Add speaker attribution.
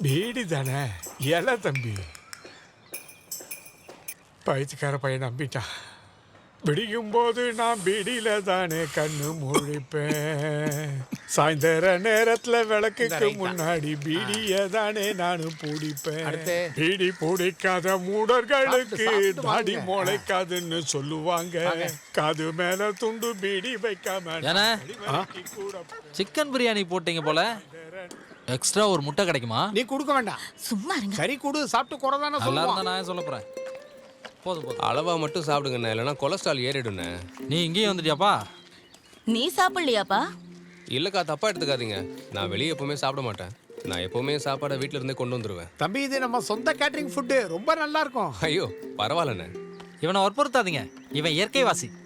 Speaker 1: PT தானே இலை தம்பி. பயிற்சிக்கார பையன் நம்பிட்டான். விடியும் போது நான் பீடியில தானே கண்ணு முழிப்பேன். சாயந்தர நேரத்துல விளக்குக்கு முன்னாடி பீடிய தானே நானும் பூடிப்பேன். பீடி பூடிக்காத மூடர்களுக்கு தாடி முளைக்காதுன்னு சொல்லுவாங்க. காது மேல துண்டு பீடி வைக்காம
Speaker 2: சிக்கன் பிரியாணி போட்டீங்க போல. எக்ஸ்ட்ரா ஒரு முட்டை கிடைக்குமா?
Speaker 3: நீ கொடுக்க வேண்டாம்,
Speaker 4: சும்மா இருங்க.
Speaker 3: சரி கொடு. சாப்பிட்டு குறைதானே
Speaker 2: நல்லா இருந்தா நான் சொல்ல போறேன். போதும் போதும்.
Speaker 5: அளவா மட்டும் சாப்பிடுங்கண்ணே, இல்லைன்னா கொலஸ்ட்ரால் ஏறிடுண்ணே.
Speaker 2: நீ இங்கேயும் வந்துட்டியாப்பா?
Speaker 4: நீ சாப்பிடலையாப்பா?
Speaker 5: இல்லைக்கா, தப்பா எடுத்துக்காதீங்க. நான் வெளியே எப்பவுமே சாப்பிட மாட்டேன். நான் எப்பவுமே சாப்பாடை வீட்டில இருந்தே கொண்டு வந்துருவேன்.
Speaker 3: தம்பி, இது நம்ம சொந்த கேட்டரிங் ஃபுட்டு, ரொம்ப நல்லா இருக்கும்.
Speaker 5: ஐயோ பரவாயில்லண்ணே.
Speaker 2: இவனை வற்புறுத்தாதீங்க, இவன் இயற்கைவாசி.